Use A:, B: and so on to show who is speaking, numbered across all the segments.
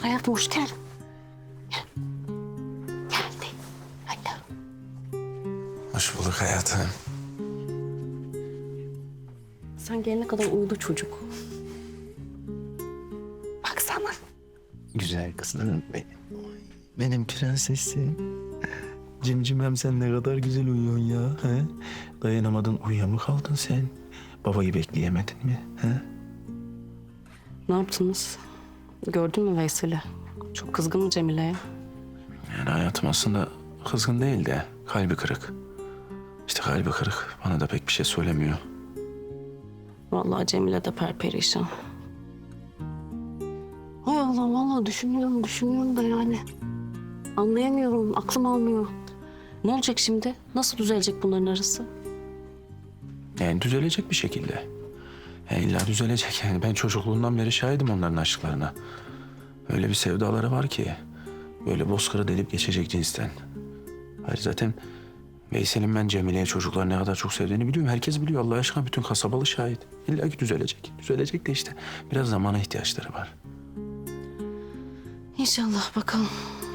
A: hayatım, hoş geldin. Gel. Geldi. Hadi.
B: Hoş bulduk hayatım.
A: Sen gelene kadar uyudu çocuk. Baksana.
B: Güzel kızım benim. Benim prensesim. Cimcimem sen ne kadar güzel uyuyorsun ya. He? Dayanamadın uyuya mı kaldın sen? Babayı bekleyemedin mi? He?
A: Ne yaptınız? Gördün mü Veysel'i? Çok kızgın mı Cemile'ye?
B: Yani hayatım aslında kızgın değil de kalbi kırık. İşte kalbi kırık. Bana da pek bir şey söylemiyor.
A: Vallahi Cemile de perperişan. Hay Allah, vallahi düşünüyorum da yani. Anlayamıyorum, aklım almıyor. Ne olacak şimdi? Nasıl düzelecek bunların arası?
B: Yani düzelecek bir şekilde. Yani illa düzelecek yani. Ben çocukluğundan beri şahidim onların aşklarına. Öyle bir sevdaları var ki. Böyle bozkırı delip geçecek cinsten. Hayır zaten Veysel'in ben Cemile'ye çocuklar ne kadar çok sevdiğini biliyorum. Herkes biliyor Allah aşkına, bütün kasabalı şahit. İlla ki düzelecek. Düzelecek de işte biraz zamana ihtiyaçları var.
A: İnşallah bakalım.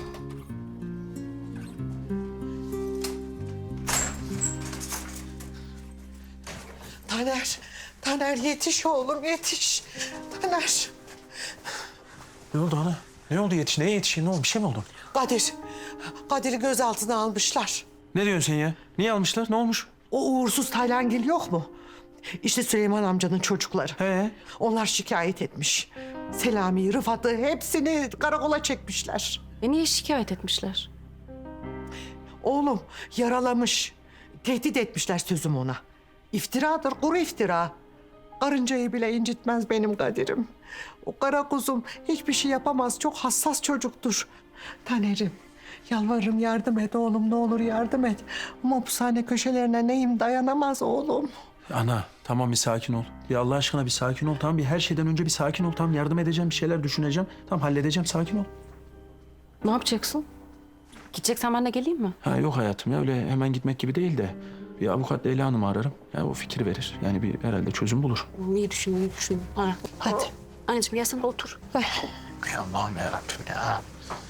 C: Taner yetiş oğlum yetiş. Taner,
B: Ne oldu ana? Ne oldu yetiş? Neye yetişin? Ne oldu? Bir şey mi oldu?
C: Kadir'i gözaltına almışlar.
B: Ne diyorsun sen ya? Niye almışlar? Ne olmuş?
C: O uğursuz Taylandil yok mu? İşte Süleyman amcanın çocukları.
B: He?
C: Onlar şikayet etmiş. Selami'yi, Rıfat'ı hepsini karakola çekmişler.
A: Niye şikayet etmişler?
C: Oğlum yaralamış. Tehdit etmişler sözüm ona. İftiradır, kuru iftira. Karıncayı bile incitmez benim Kadir'im. O kara kuzum hiçbir şey yapamaz. Çok hassas çocuktur. Taner'im, yalvarırım yardım et oğlum. Ne olur yardım et. Mopsane köşelerine neyim dayanamaz oğlum.
B: Ana tamam bir sakin ol. Ya Allah aşkına bir sakin ol. Tamam bir her şeyden önce bir sakin ol. Tamam yardım edeceğim, bir şeyler düşüneceğim. Tamam halledeceğim, sakin ol.
A: Ne yapacaksın? Gideceksen ben de geleyim mi?
B: Ha yok hayatım ya öyle hemen gitmek gibi değil de bir avukat Leyla Hanım'ı ararım. Ya o fikir verir. Yani bir herhalde çözüm bulur.
A: İyi düşün. Ha.
C: Hadi.
A: Anneciğim gel sen de otur. Ver.
B: Ya Allah'ım yarabbim ya.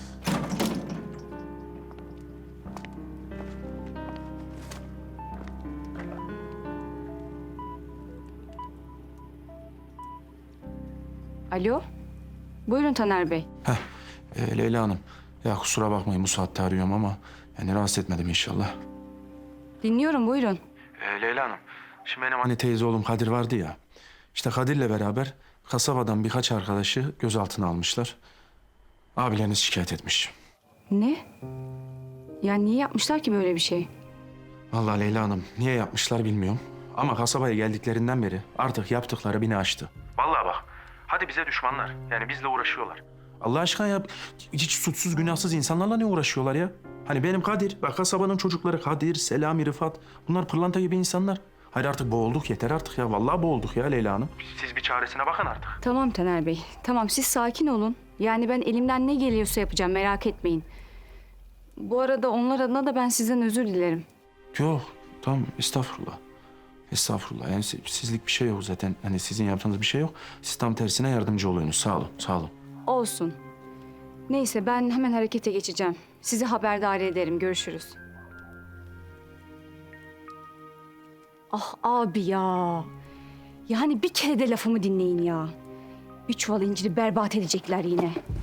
D: Alo. Buyurun Taner Bey.
B: Leyla Hanım. Ya kusura bakmayın bu saatte arıyorum ama yani rahatsız etmedim inşallah.
D: Dinliyorum buyurun.
B: Leyla Hanım. Şimdi benim anne teyze oğlum Kadir vardı ya. İşte Kadir'le beraber kasabadan birkaç arkadaşı gözaltına almışlar. Abileriniz şikayet etmiş.
D: Ne? Ya niye yapmışlar ki böyle bir şey?
B: Vallahi Leyla Hanım niye yapmışlar bilmiyorum. Ama kasabaya geldiklerinden beri artık yaptıkları bini aştı. Vallahi bak. Hadi bize düşmanlar. Yani bizle uğraşıyorlar. Allah aşkına ya hiç suçsuz günahsız insanlarla ne uğraşıyorlar ya? Hani benim Kadir, bak kasabanın çocukları Kadir, Selami, Rıfat. Bunlar pırlanta gibi insanlar. Hayır artık boğulduk yeter artık ya. Vallahi boğulduk ya Leyla Hanım. Siz bir çaresine bakın artık.
D: Tamam Taner Bey. Tamam siz sakin olun. Yani ben elimden ne geliyorsa yapacağım merak etmeyin. Bu arada onlar adına da ben sizden özür dilerim.
B: Yok tamam estağfurullah. Estağfurullah yani sizlik bir şey yok zaten. Hani sizin yaptığınız bir şey yok. Siz tam tersine yardımcı oluyorsunuz. Sağ olun, sağ olun.
D: Olsun. Neyse ben hemen harekete geçeceğim. Sizi haberdar ederim. Görüşürüz. Ah abi ya. Yani bir kere de lafımı dinleyin ya. Bir çuval inciri berbat edecekler yine.